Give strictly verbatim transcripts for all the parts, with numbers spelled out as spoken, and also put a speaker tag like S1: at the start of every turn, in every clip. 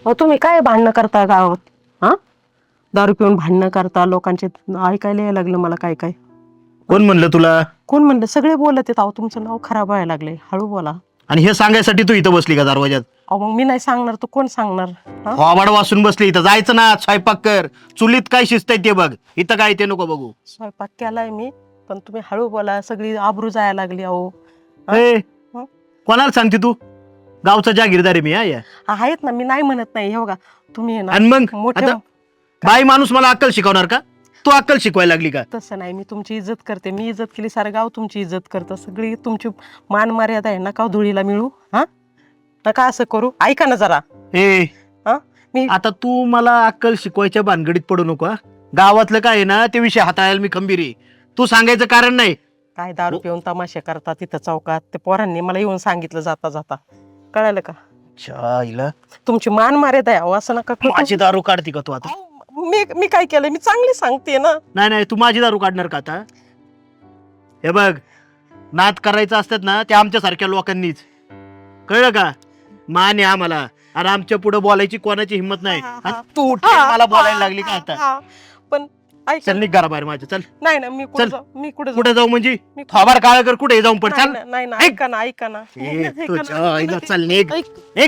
S1: अहो तुम्ही काय भांडणं करता गावात? हा, दारू पिऊन भांडणं करता, लोकांचे ऐकायला यायला लागलं मला काय काय.
S2: कोण म्हणलं तुला?
S1: कोण म्हणलं? सगळे बोलत आहेत. अहो तुमचं नाव खराब व्हायला लागले, हळू बोला.
S2: आणि हे सांगायसाठी तू इथं बसली का दरवाजात?
S1: अहो मग मी नाही सांगणार तर कोण सांगणार? हा?
S2: थोबाड वासून बसली इथं. जायचं ना, स्वयंपाक कर. चुलीत काय शिस्त आहे ते बघ. इथं काय ते नको बघू.
S1: स्वयंपाक केलाय मी, पण तुम्ही हळू बोला, सगळी आबरू जायला लागली. अहो
S2: ए,
S1: हं?
S2: कोणाला सांगते तू? गावचा जागीरदार आहे मी. हा या.
S1: आहेत ना, मी नाही म्हणत नाही. हे बघा तुम्ही आहे ना
S2: आणि मग
S1: मोठे.
S2: आता बाई माणूस मला अक्कल शिकवणार का? तू अक्कल शिकवायला लागली का?
S1: तसं नाही, मी तुमची इज्जत करते. मी इज्जत केली, सारं गाव तुमची इज्जत करतं. सगळी तुमची मान मर्यादा आहे. नका धुळीला मिळू. हा, नका असं करू. ऐका ना जरा.
S2: ए,
S1: हा, मी
S2: आता तू मला अक्कल शिकवायच्या भानगडीत पडू नको. हा? गावातलं काय आहे ना ते विषय हाताळायला मी खंबीर आहे. तू सांगायचं कारण नाही.
S1: काय दारू पिऊन तमाशे करतात तिथं चौकात, ते पोरांनी मला येऊन सांगितलं जाता जाता. कळालं का?
S2: चायला
S1: तुमची मान मर्यादा आहे. अहो, असं नका करू.
S2: माझी दारू काढते का तू आता?
S1: अहो, मी मी काय केलं? मी चांगली सांगते ना.
S2: नाही नाही, तू माझी दारू काढणार का आता? हे बघ, नाद करायचं असतात ना ते आमच्यासारख्या लोकांनीच. कळलं का? मान आहे आम्हाला, आणि आमच्या पुढे बोलायची कोणाची हिंमत नाही.
S1: हा, हा,
S2: आणि
S1: हा.
S2: तू उठली मला बोलायला लागली का आता?
S1: हा, पण ऐक.
S2: चल निघ घराबाहेर माझ्या. चल.
S1: नाही ना, मी कुठे
S2: चल.
S1: जाऊ? मी कुठे
S2: कुठे जाऊ म्हणजे?
S1: मी-
S2: थोबाड काळ कर, कुठे जाऊन पड.
S1: नाही
S2: चल.
S1: ना, नाही ना,
S2: ऐक.
S1: ऐका ना, ऐका ना.
S2: ए,
S1: ऐका
S2: तुझ्या
S1: ना.
S2: आईला चल निघ.
S1: ऐक.
S2: निघ.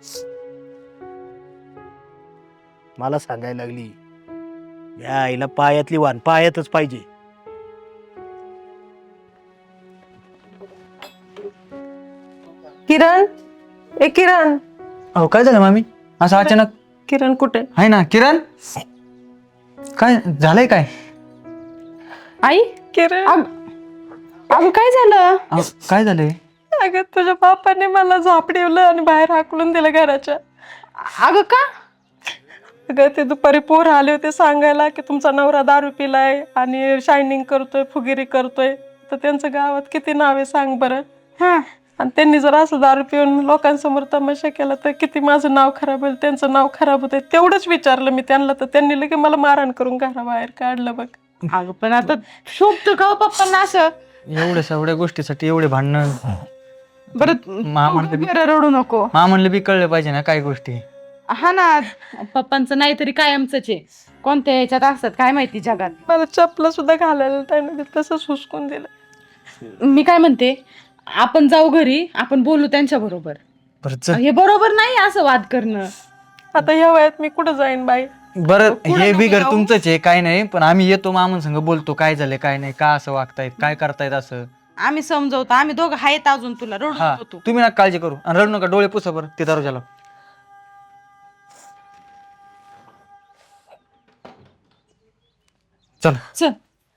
S2: मला सांगायला लागली या आईला पायातली वाण पायातच पाहिजे.
S1: किरण, ए किरण.
S3: अहो काय झालं मामी? असं अचानक?
S1: किरण कुठे?
S3: आहे ना किरण. काय झालंय? काय
S4: आई
S1: किरण,
S4: अगं काय झालं?
S3: अहो, काय झालंय?
S1: अगं तुझ्या बापाने मला झापडवलं आणि बाहेर हाकलून दिलं घराच्या.
S4: अगं का?
S1: अगं ते दुपारी पोर आले होते सांगायला की तुमचा नवरा दारू पिलाय आणि शायनिंग करतोय, फुगिरी करतोय. तर त्यांचं गावात किती नाव आहे सांग बरं.
S4: हा,
S1: आणि त्यांनी जर असं दारू पिऊन लोकांसमोर तमाशा केला तर किती माझं नाव खराब होईल, त्यांचं नाव खराब होतंय. तेवढंच विचारलं मी त्यांना, तर त्यांनी लगे मला मारहाण करून घराबाहेर काढलं बघ.
S4: अगं पण आता शोभतं का हो पप्पांना असं?
S3: एवढ्या सगळ्या गोष्टीसाठी एवढे भांडणं?
S4: बरं
S3: मा म्हणलं बी
S4: बरं, रडू नको.
S3: मा म्हणलं बी कळलं पाहिजे ना काय गोष्टी.
S4: हा ना, पप्पांचं नाहीतरी कायमचंच आहे. कोणत्या ह्याच्यात असतात काय माहिती जगात.
S1: मला चपला सुद्धा घालायला त्याने तसंच हुसकून दिलं.
S4: मी काय म्हणते, आपण जाऊ घरी, आपण बोलू त्यांच्या बरोबर.
S3: बरं चल.
S4: हे बरोबर नाही असं वाद करणं.
S1: आता ह्या वयात मी कुठं जाईन बाई?
S3: बरं
S4: पुढं
S3: हे
S4: नको
S3: बी घर
S4: जाऊ.
S3: तुमचंच आहे काय नाही, पण आम्ही येतो मामन संग बोलतो काय झालंय काय नाही, का असं वागतायत, काय करतायत असं.
S4: आम्ही समजवतो, आम्ही दोघं आहेत अजून, तुला रडू
S3: हा
S4: नको तू.
S3: तुम्ही नका काळजी करू आणि रडू नका. डोळे पुसा बरं ते दरवाजाला. चल.
S4: चल.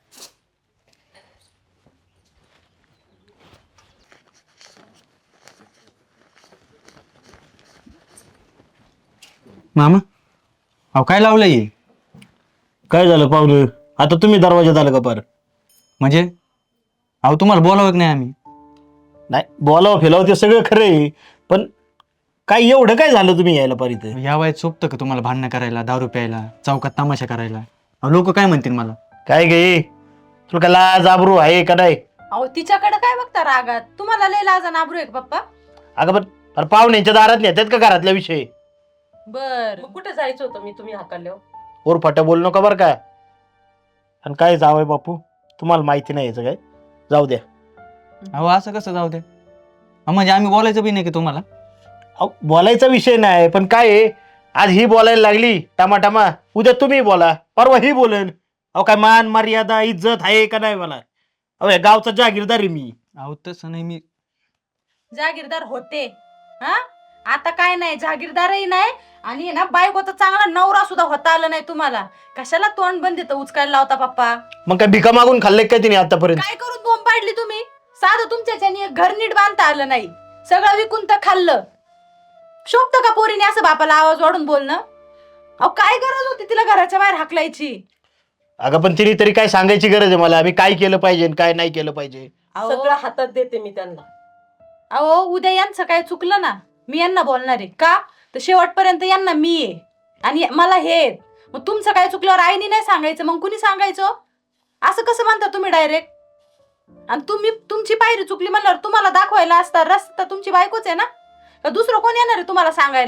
S3: मामा अहो काय लावलंय?
S2: काय झालं पाहुलं? आता तुम्ही दरवाजात आलं का पार?
S3: म्हणजे अहो तुम्हाला बोलावं की नाही आम्ही?
S2: नाही, बोलावं फिलावं ते सगळं खरं आहे, पण काय एवढं काय झालं तुम्ही यायला पार इथं?
S3: या वयात सोपतं का तुम्हाला भांडणं करायला, दारू प्यायला, चौकात तमाशा करायला? लोक काय म्हणतील मला?
S2: काय गे तुला का लाज आबरू आहे का नाही?
S4: अहो तिच्याकडे काय बघता रागात? तुम्हाला लय लाजा नाबरू आहे का पप्पा?
S2: अगं पण अरे पाहुण्यांच्या दारात नेतात का घरातला विषय?
S4: बर,
S1: मग कुठे जायचं होतं मी तुम्ही हाकलल्यावर?
S2: ओर फाट्या बोलू नका बरं का. आणि काय जावंय बापू, तुम्हाला माहिती नाही याचं काय, जाऊ द्या.
S3: अहो असं कसं जाऊ दे? अहो, म्हणजे आम्ही बोलायचं बी नाही की तुम्हाला?
S2: अहो, बोलायचा विषय नाही, पण काय आहे, आज ही बोलायला लागली टमाटामा, उद्या तुम्ही बोला, परवा ही बोलेन. अहो काय मान मर्यादा इज्जत आहे का नाही मला? अहो या गावचा जागीरदार आहे मी.
S3: अहो तसं नाही, मी
S4: जागीरदार होते. हा, आता काय नाही, जागीरदारही नाही आणि ना बायकोचा चांगला नवरा सुद्धा होता आला नाही तुम्हाला. कशाला तोंड बंद देतं उचकायला लावता पप्पा?
S2: मग काय भिका मागून खाल्ले काय तिने आतापर्यंत?
S4: काय करून बोंब पाडली तुम्ही? साधं तुमच्याच्याने एक घर नीट बांधता आलं नाही, सगळं विकून तर खाल्लं. शोभतं का पोरीने असं बापाला आवाज वाढून बोलणं? अहो काय गरज होती तिला घराच्या बाहेर हाकलायची?
S2: अगं पण तिने तरी काय सांगायची गरज आहे मला, मी काय केलं पाहिजे आणि काय नाही केलं पाहिजे?
S1: सगळं हातात देते मी त्यांना.
S4: अहो उद्या यांचं काय चुकलं ना, मी यांना बोलणार आहे का? तर शेवटपर्यंत यांना मी आहे आणि मला हे आहेत. मग तुमचं काय चुकल्यावर आईनी नाही सांगायचं, मग कुणी सांगायचं? असं कसं म्हणता तुम्ही डायरेक्ट? आणि तुम्ही तुमची पायरी चुकली म्हणल्यावर तुम्हाला दाखवायला असता रस्ता तुमची बायकोच आहे ना, का दुसरं कोण येणार आहे तुम्हाला सांगायला?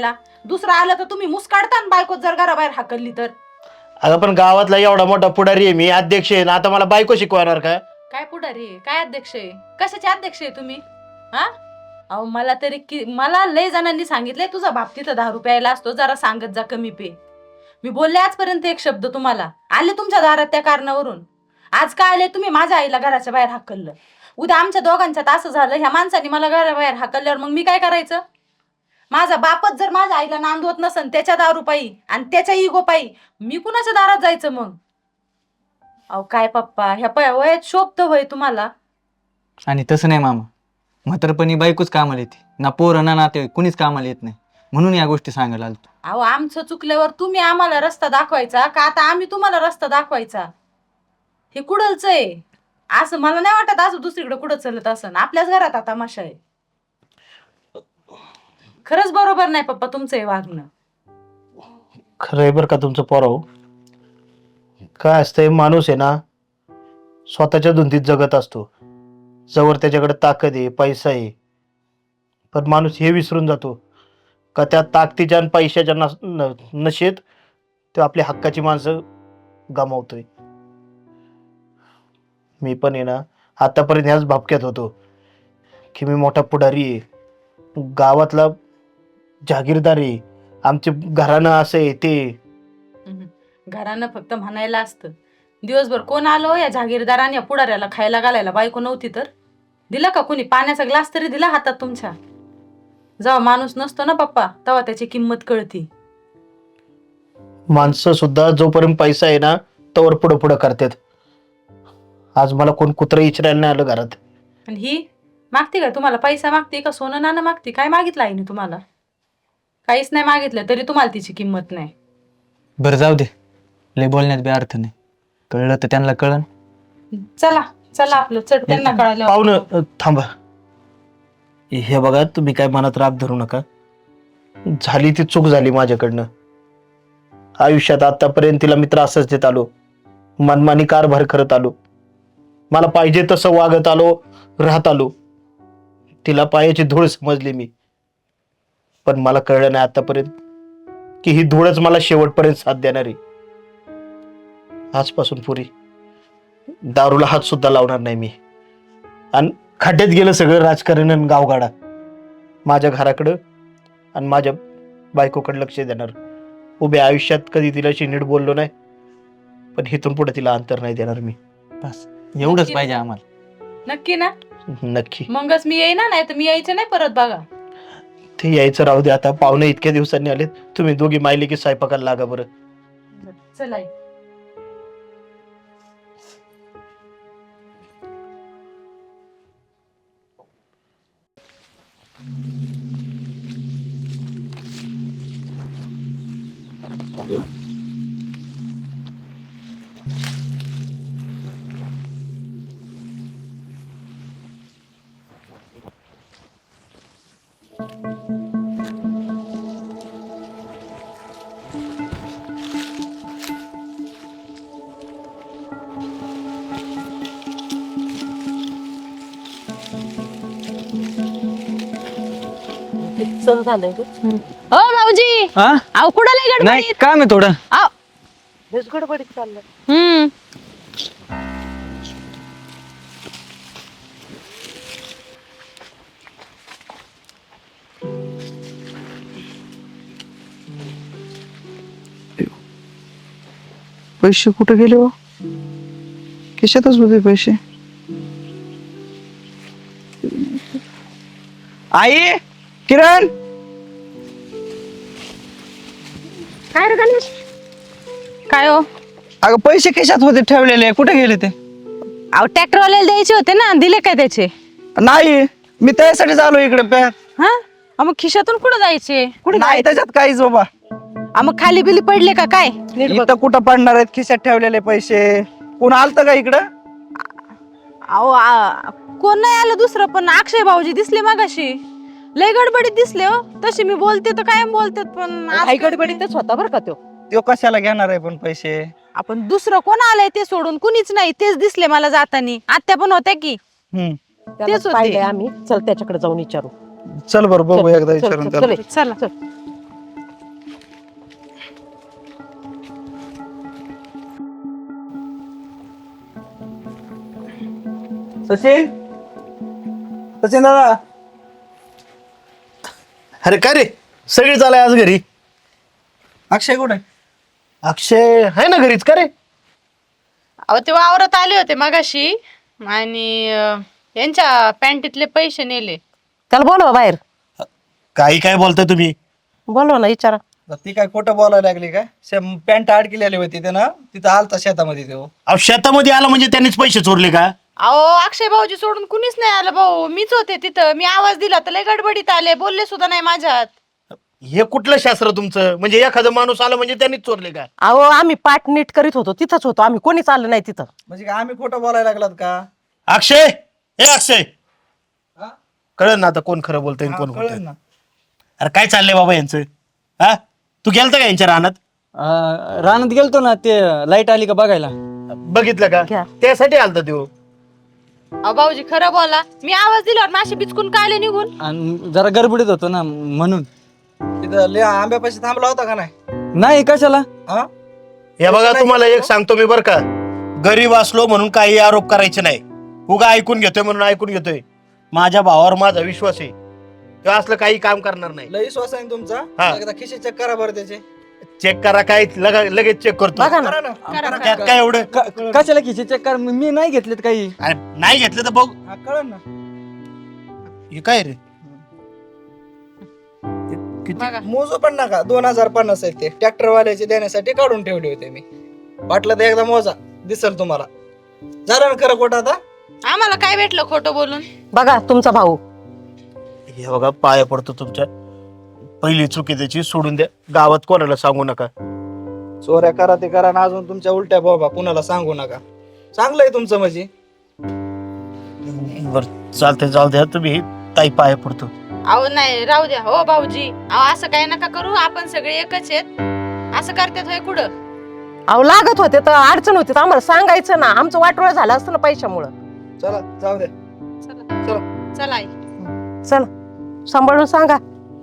S4: दुसरं आलं तर तुम्ही मुस काढता आणि बायको जर घराबाहेर हाकलली तर.
S2: अगं पण गावातला एवढा मोठा पुढारी आहे मी, अध्यक्ष आहे ना, आता मला बायको शिकवणार का?
S4: काय पुढारी आहे? काय अध्यक्ष आहे? कशाचे अध्यक्ष आहे तुम्ही? हा अहो मला तरी कि मला लय जणांनी सांगितलंय तुझा बाप तिथं दहा रुपयाला असतो, जरा सांगत जा कमी पे. मी बोलले आजपर्यंत एक शब्द तुम्हाला? आले तुमच्या दारात त्या कारणावरून. आज काय आले तुम्ही माझ्या आईला घराच्या बाहेर हाकललं. उद्या आमच्या दोघांच्यात असं झालं, ह्या माणसाने मला घराबाहेर हाकलल्यावर मग मी काय करायचं? माझा बापच जर माझ्या आईला नांदवत नसन त्याच्या दारू पायी आणि त्याच्या इगो पायी, मी कुणाच्या दारात जायचं मग? अहो काय पप्पा, ह्या पया वयात शोभतं वय तुम्हाला?
S3: आणि तसं नाही मामा, म्हातारपणी बायकोच कामाला येते ना, पोरं ना नाते कुणीच कामाला येत नाही, म्हणून या गोष्टी सांगायला आलो.
S4: अहो आमचं चुकल्यावर तुम्ही आम्हाला रस्ता दाखवायचा का आता आम्ही तुम्हाला रस्ता दाखवायचा? हे कुडलच आहे. असं मला नाही वाटत असं दुसरीकडे कुठं चलत असं. आपल्याच घरात आता तमाशा आहे. खरंच बरोबर नाही पप्पा तुमचं हे वागणं.
S2: खरंय बरं का तुमचं पोराव. काय असतंय, माणूस आहे ना स्वतःच्या धुंदीत जगत असतो. जवळ त्याच्याकडे ताकद आहे, पैसा आहे, पण माणूस हे विसरून जातो का त्या ताकदीच्या आणि पैशाच्या नस- न- नशेत तो आपल्या हक्काची माणसं गमावतोय. मी पण आहे ना आतापर्यंत ह्याच भापक्यात होतो की मी मोठा पुढारी आहे, गावातला जागीरदार आहे, आमचे घराणं असं आहे ते.
S4: हम्म. घरानं फक्त म्हणायला असतं. दिवसभर कोण आलो या जागीरदाराने या पुढाऱ्याला खायला घालायला बायको नव्हती तर दिला का कोणी? पाण्याचा ग्लास तरी दिला हातात तुमच्या? जेव्हा माणूस नसतो ना पप्पा तेव्हा त्याची किंमत कळती.
S2: माणसं सुद्धा जोपर्यंत पैसा आहे ना तोवर पुढं पुढं करतात. आज मला कोण कुत्रं विचारायला नाही आलं घरात.
S4: आणि ही मागते का तुम्हाला? पैसा मागते का सोनं नाणं मागते? काय मागितलं आईने तुम्हाला? काहीच नाही मागितलं तरी तुम्हाला तिची किंमत नाही.
S3: बरं जाऊ दे, लय बोलण्यात बी अर्थ नाही. कळलं तर त्यांना कळन.
S4: चला चला आपलं चढ त्यांना कळालं.
S2: पाहुणं अ, थांबा. हे बघा, तुम्ही काय मनात राग धरू नका. झाली ती चूक झाली माझ्याकडनं. आयुष्यात आतापर्यंत तिला मी त्रासच देत आलो, मनमानी कारभार करत आलो, मला पाहिजे तसं वागत आलो, राहत आलो. तिला पायाची धूळ समजली मी, पण मला कळलं नाही आतापर्यंत की ही धूळच मला शेवटपर्यंत साथ देणार आहे. आजपासून पुरी दारूला हात सुद्धा लावणार नाही मी. आणि खड्ड्यात गेलं सगळं राजकारण आणि गावगाडा. माझ्या घराकडं आणि माझ्या बायकोकडे लक्ष देणार. उभ्या आयुष्यात कधी तिलाशी नीट बोललो नाही, पण इथून पुढे तिला अंतर नाही देणार मी.
S3: बस एवढंच पाहिजे आम्हाला.
S4: नक्की ना?
S2: नक्की.
S4: मगच मी येईना, नाही तर मी यायचं नाही परत. बघा
S2: ते यायचं राहू दे आता. पाहुणे इतक्या दिवसांनी आलेत, तुम्ही दोघी मायले की स्वयंपाकाला लागा बरं.
S4: चला.
S5: हो भाऊजी,
S3: हा
S5: अहो कुठं लय
S3: नाही
S5: गडबडीत?
S3: काम आहे थोडं.
S5: अहो,
S2: गडबडीत चाललं.
S5: हम्म.
S6: पैसे कुठे गेले हो? खिशातच होते पैसे. आई, किरण,
S5: काय रे गणेश? काय हो?
S6: अगं पैसे खिशात होते ठेवलेले, कुठे गेले ते?
S5: अहो ट्रॅक्टर वाल्याला द्यायचे होते ना, दिले काय त्याचे?
S6: नाही, मी त्यासाठी आलो इकडे. प्या
S5: हा अहो, मग खिशातून कुठं जायचे?
S6: नाही त्याच्यात काहीच बाबा.
S5: अहो, मग खाली बिली पडले का काय? नीट बघ.
S6: इथं कुठं पडणार आहेत खिशात ठेवलेले पैसे? कोण आलत का इकडं?
S5: अहो आ- कोण नाही आलं दुसरं, पण अक्षय भाऊजी दिसले मगाशी. लय गडबडीत दिसले हो. तशी मी बोलते तर कायम बोलतात, पण आज
S7: काही गडबडीतच होता बरं का तो.
S6: तो कशाला घेणार आहे पण पैसे?
S5: आपण दुसरं कोण आलंय ते सोडून कुणीच नाही. तेच दिसले मला जातानी. आत्या पण होत्या की.
S6: हम्म.
S7: त्यालाच
S5: होते.
S7: पाहिलंय आम्ही. चल त्याच्याकडे जाऊन विचारू.
S6: चल बरं बघू एकदा
S7: चल,
S6: विचारून
S7: चल,
S6: त्याला.
S7: चल.
S5: चला.
S7: चल.
S3: सचिन
S6: सचिन दादा
S2: अरे काय रे सगळी चालाय आज घरी.
S6: अक्षय कुठे
S2: अक्षय आहे ना घरीच का रे?
S5: अहो ते वावरात आले होते मगाशी आणि अं, यांच्या पॅन्टीतले पैसे नेले.
S1: त्याला बोलवा बाहेर,
S2: काही काय बोलताय तुम्ही?
S1: बोलवा ना, विचारा.
S6: ती काय खोटं बोलायला लागली काय? पॅन्ट अडकलेली होती ते ना, तिथं आलता शेतामध्ये तो.
S2: अहो शेतामध्ये आला म्हणजे त्यांनीच पैसे चोरले का?
S5: अहो अक्षय भाऊजी सोडून कुणीच नाही आलं भाऊ, मीच होते तिथं. मी आवाज दिला तर लय गडबडीत आले, बोलले सुद्धा नाही माझ्यात.
S2: हे कुठलं शास्त्र तुमचं? म्हणजे एखादा माणूस आला म्हणजे त्यांनीच चोरले का?
S7: अहो आम्ही पाठ नीट करीत होतो, तिथंच होतो आम्ही, कोणीच आलं नाही तिथं.
S6: म्हणजे काय आम्ही खोटं बोलायला लागलात का?
S2: अक्षय, हे अक्षय,
S6: हा?
S2: कळलं ना आता कोण खरं बोलतंय आणि
S6: हा,
S2: कोण
S6: कळलं
S2: बोलतंय.
S6: ना.
S2: अरे काय चाललंय बाबा यांचं? हा तू गेलता का यांच्या रानात?
S3: अं, रानात गेलतो ना, ते लाईट आली का बघायला.
S2: बघितलं का?
S7: घ्या.
S2: त्यासाठी आलता तो.
S5: अहो भाऊजी खरं बोला, मी आवाज दिल्यावर माशी बिचकून काय आले निघून?
S3: आणि जरा गडबडीत होतो ना म्हणून.
S6: तिथं लय आंब्यापाशी थांबला होता का नाही?
S3: नाही कशाला.
S6: हा
S2: हे बघा तुम्हाला एक सांगतो मी बरं का, गरीब असलो म्हणून काही आरोप करायचे नाही. उगा ऐकून घेतोय म्हणून ऐकून घेतोय. माझ्या भावावर माझा विश्वास आहे, तो असलं काही काम करणार नाही.
S6: लई श्वास आहे ना तुमचा.
S2: हा.
S6: एकदा खिशे चेक करा बरं त्याचे.
S2: चेक करा काय लगा- लगेच चेक करतो.
S7: बघा ना.
S6: करा ना.
S5: करा,
S6: करा.
S2: त्यात काय एवढं?
S3: क- कशाला खिचे चेक कर, मी नाही घेतलेत काही.
S2: अरे नाही घेतलं तर बघ.
S6: हा, कळलं ना.
S2: हे काय रे?
S5: बघा
S6: मोजू पण नका. दोन हजार पन्नास आहेत ते ट्रॅक्टर वाल्याचे देण्यासाठी काढून ठेवले होते मी. वाटलं तर एकदा मोजा, दिसल तुम्हाला. झालं ना खरं खोटं आता?
S5: आम्हाला काय भेटलं खोटं बोलून?
S7: बघा तुमचा भाऊ.
S2: हे बघा पाया पडतो तुमच्या. पहिली चुकी त्याची सोडून द्या, गावात कोणाला सांगू नका.
S6: चोऱ्या करा ते करा ना, अजून तुमच्या उलट्या बाबा कुणाला सांगू नका. चांगलंय तुमचं म्हणजे.
S2: बर चालतंय, जाऊ द्या तुम्ही. ताई पाया पडतो.
S5: अहो नाही राहू द्या हो भाऊजी. अहो असं काय नका करू, आपण सगळे एकच आहेत. असं करतात होय कुठं?
S7: अहो लागत होते तर अडचण होती तर आम्हाला सांगायचं ना, आमचं वाटोळ झालं असतं ना पैशामुळं.
S6: चला जाऊ द्या.
S5: चला
S6: चला.
S5: चला आई.
S7: चला सांभाळून सांगा.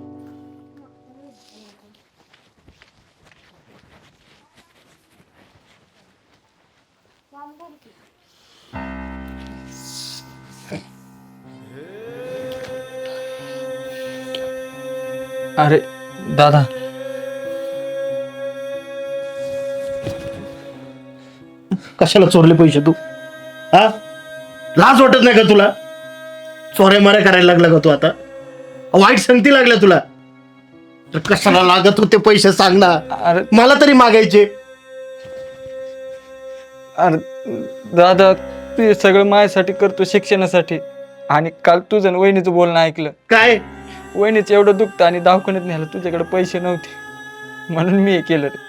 S3: अरे दादा,
S2: कशाला चोरले पैसे तू? हा लाज वाटत नाही का तुला? चोऱ्या माऱ्या करायला लागला का तू आता? वाईट संगती लागल्या तुला तर कशाला लागत होते पैसे सांग ना.
S3: अरे
S2: मला तरी मागायचे.
S3: अरे दादा, तू हे सगळं माझ्यासाठी करतो, शिक्षणासाठी. आणि काल तुझं आणि वहिनीचं बोलणं ऐकलं.
S2: काय?
S3: वहिनीचं एवढं दुखतं आणि दवाखान्यात न्यायला तुझ्याकडे पैसे नव्हते, म्हणून मी हे केलं रे.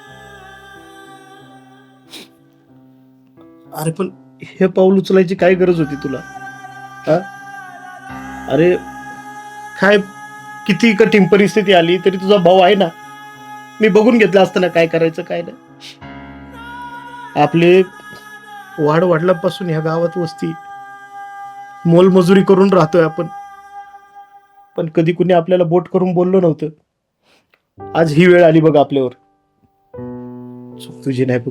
S2: अरे पण हे पाऊल उचलायची काय गरज होती तुला? हा? अरे काय किती कठीण परिस्थिती आली तरी तुझा भाऊ आहे ना, मी बघून घेतलं असतं ना काय करायचं काय नाही. आपले वाढ वाढल्यापासून ह्या गावात वस्ती मोलमजुरी करून राहतोय आपण, पण कधी कुणी आपल्याला बोट करून बोललो नव्हतं. आज ही वेळ आली बघ आपल्यावर. चूक तुझी नाही बघ,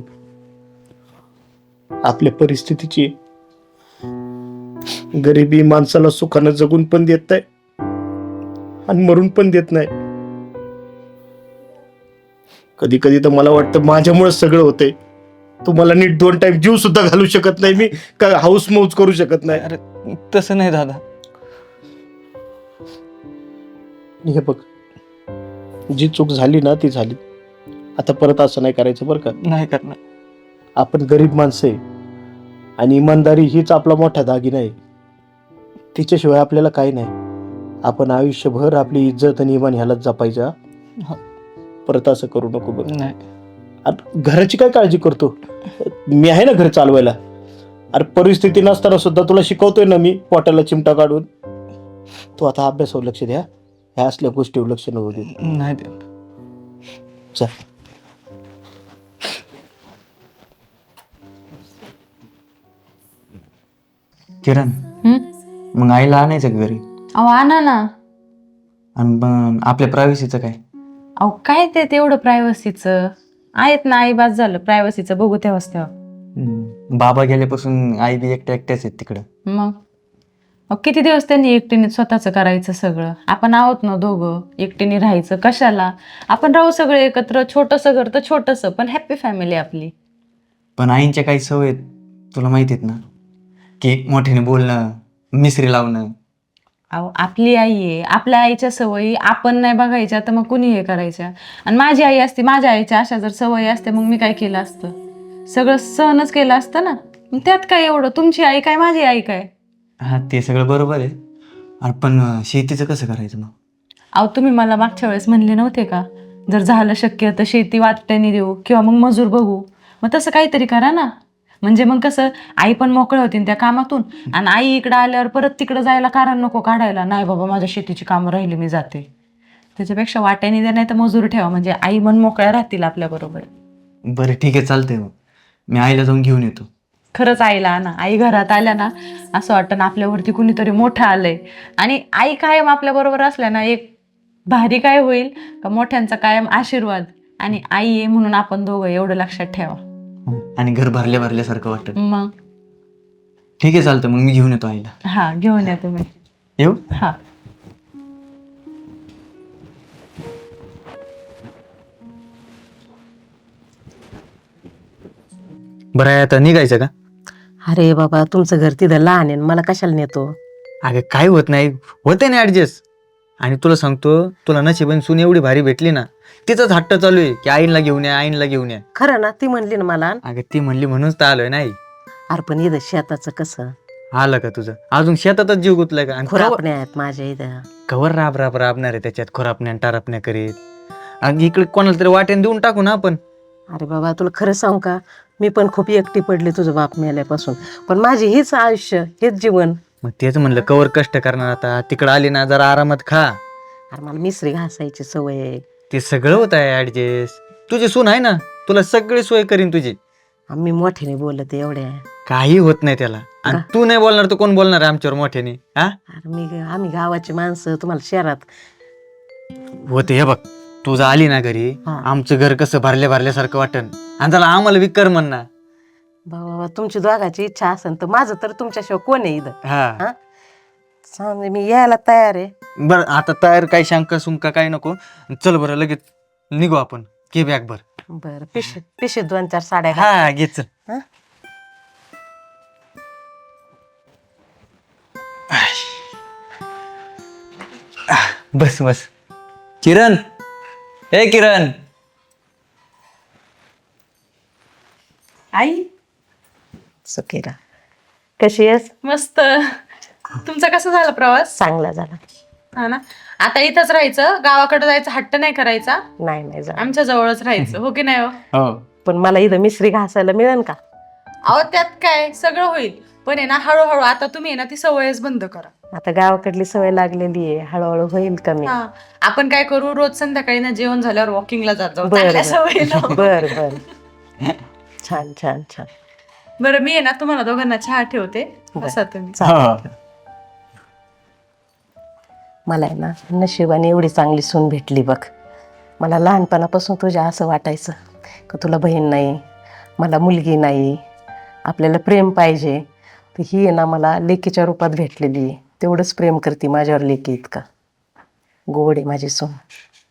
S2: आपल्या परिस्थितीची. गरिबी माणसाला सुखानं जगून पण देत नाही आणि मरून पण देत नाही. कधी कधी तर मला वाटतं माझ्यामुळे सगळं होतंय. तुम्हाला नीट दोन टाइम जीव सुद्धा घालू शकत नाही मी, का हाऊस मौज करू शकत नाही.
S3: अरे तसं नाही दादा.
S2: हे बघ, जी चूक झाली ना ती झाली. आता परत असं नाही करायचं बरं का.
S3: नाही करणार.
S2: आपण गरीब माणसं आहे आणि इमानदारी हीच आपला मोठा दागिना आहे. तिच्याशिवाय आपल्याला काही नाही. आपण आयुष्यभर आपली इज्जत आणि इमान ह्यालाच जपायचं. हा? परत असं करू नको बघ.
S3: नाही.
S2: अरे घराची काय काळजी करतो? मी आहे ना घर चालवायला. अरे परिस्थिती नसताना सुद्धा तुला शिकवतोय ना मी, पोटाला चिमटा काढून. तू आता अभ्यासावर लक्ष द्या, ह्या असल्या गोष्टीवर लक्ष नको दे.
S3: नाही दे.
S2: चल.
S3: किरण, मग आईला आणायचं का घरी?
S4: अहो आणा ना.
S3: आणि मग आपल्या प्रायव्हसीचं काय?
S4: अहो काय ते तेवढं प्रायव्हसीचं आहेत ना, आई बाज झालं. प्रायव्हसीचं बघू तेव्हाच तेव्हा.
S3: हम्म. बाबा गेल्यापासून आई बी एकट्या एकट्याच आहेत तिकडं.
S4: मग अहो, किती दिवस त्यांनी एकटीने स्वतःचं करायचं सगळं. आपण आहोत ना दोघं, एकटीने राहायचं कशाला. आपण राहू सगळे एकत्र, छोटंसं घर तर छोटंसं पण हॅप्पी फॅमिली आपली.
S3: पण आईंच्या काही सवय आहेत, तुला माहिती आहेत ना, की मोठ्याने बोलणं, मिसरी लावणं.
S4: अहो आपली आई आहे, आपल्या आईच्या सवयी आपण नाही बघायच्या तर मग कुणी हे करायच्या. आणि माझी आई असती, माझ्या आईच्या अशा जर सवयी असते मग मी काय केलं असतं, सगळं सहनच केलं असतं ना. मग त्यात काय एवढं, तुमची आई काय माझी आई काय.
S3: हा ते सगळं बरोबर आहे. अरे पण अं, शेतीचं कसं करायचं मग?
S4: अहो तुम्ही मला मागच्या वेळेस म्हणले नव्हते का, जर झालं शक्य तर शेती वाटण्याने देऊ किंवा मग मजूर बघू. मग तसं काहीतरी करा ना, म्हणजे मग कसं आई पण मोकळ्या होतील त्या कामातून. आणि आई इकडं आल्यावर परत तिकडं जायला कारण नको काढायला, नाही बाबा माझ्या शेतीची कामं राहिली मी जाते. त्याच्यापेक्षा वाट्याने द्या नाही तर मजूर ठेवा, म्हणजे आई मन मोकळ्या राहतील आपल्याबरोबर.
S3: बरं ठीक आहे, चालतंय. मग मी आईला जाऊन घेऊन येतो.
S4: खरंच आईला ना, आई घरात आल्या ना असं वाटतं ना आपल्यावरती कुणीतरी मोठं आलंय. आणि आई कायम आपल्याबरोबर असल्या ना एक भारी काय होईल का, मोठ्यांचा कायम आशीर्वाद. आणि आई आहे म्हणून आपण दोघं, एवढं लक्षात ठेवा.
S3: आणि घर भरल्या भरल्यासारखं वाटत.
S4: मग
S3: ठीक आहे, चालतं. मग मी घेऊन येतो आईला.
S4: हा घेऊन या तुम्ही.
S3: येऊ?
S4: हा
S3: बरं आहे, आता निघायचं का?
S7: अरे बाबा तुमचं घर तिथं लहान आहे, मला कशाला नेतो?
S3: अगं काय होत नाही, होते ना ऍडजस्ट. आणि तुला सांगतो, तुला नशिबाने सून एवढी भारी भेटली ना, तिचाच हट्ट चालू आहे की आईनला घेऊन या, आईनला घेऊन या.
S7: खरं ना, ती म्हणली ना मला.
S3: अगं ती म्हणली म्हणूनच तर आलोय नाही.
S7: अरे पण इथं शेताचं कसं,
S3: आलं का तुझं? अजून शेतातच जीव गुतलाय का? आणि कवर-
S7: खुरापणे आहेत माझ्या इथं.
S3: कवर राब राब राबणार आहे त्याच्यात, खुरापण्या आणि टारापण्या करीत. आणि इकडे कोणाला तरी वाट्याने देऊन टाकू ना आपण.
S7: अरे बाबा तुला खरं सांगू का, मी पण खूप एकटी पडले तुझं बाप मेल्यापासून. पण माझी हेच आयुष्य, हेच जीवन.
S3: मग तेच म्हणलं, कवर कष्ट करणार आता, तिकडं आली ना जरा आरामात खा.
S7: अरे मला मिसरी घासायची सवय आहे.
S3: ते सगळं होत आहे ऍडजस्ट. तुझी सून आहे ना, तुला सगळी सोय करीन तुझी.
S7: आम्ही मोठ्याने बोलत एवढ्या.
S3: काही होत नाही त्याला. आणि तू नाही बोलणार तर कोण बोलणार आहे आमच्यावर मोठ्याने? हा
S7: अरे मी आम्ही गावाची माणसं, तुम्हाला शहरात.
S3: होते. हे बघ, तू जर आली ना घरी,
S7: हा.
S3: आमचं घर कसं भरल्या भरल्यासारखं वाटन. आणि त्याला आम्हाला विकर म्हणणार.
S7: बाबा तुमची दोघाची इच्छा असेल तर माझं तर तुमच्याशिवाय कोण आहे इथं.
S3: हा
S7: हा? सांग, मी यायला तयार आहे.
S3: बरं, आता तयार काही शंका सुंका काही नको. चल बरं, लगेच निघू आपण. घे बॅग भर.
S7: बरं पिशे पिशे दोन चार साड्या घाल.
S3: हा घे, चल.
S7: हा?
S3: बस बस. किरण, ए किरण.
S4: आई
S7: सुखीरा कशी आहेस?
S4: मस्त. तुमचा कसा झाला प्रवास?
S7: चांगला झाला.
S4: हा ना. आता इथंच राहायचं, गावाकडे जायचं हट्ट नाही करायचा,
S7: नाही नाही झाला.
S4: आमच्या जवळच राहायचं. हो की नाही हो?
S3: हो.
S7: पण मला इथं मिसरी घासायला मिळेल का?
S4: अहो त्यात काय, सगळं होईल. पण आहे ना हळूहळू, आता तुम्ही आहे ना ती सवयच बंद करा.
S7: आता गावाकडली सवय लागलेली आहे, हळूहळू होईल कमी.
S4: हा, आपण काय करू, रोज संध्याकाळी ना जेवण झाल्यावर वॉकिंगला जात जाऊ.
S7: बरं,
S4: चांगल्या
S7: बरं.
S4: सवयी लावू.
S7: बर बर छान छान छान.
S4: बरं मी आहे ना तुम्हाला दोघांना चहा ठेवते, बसा तुम्ही.
S7: चालेल. मला आहे ना नशिबाने एवढी चांगली सून भेटली बघ. मला लहानपणापासून तुझ्या असं वाटायचं का तुला बहीण नाही, मला मुलगी नाही, आपल्याला प्रेम पाहिजे. तर ही आहे ना मला लेकीच्या रूपात भेटलेली आहे. तेवढंच प्रेम करते माझ्यावर लेकी इतका. गोड आहे माझी सून.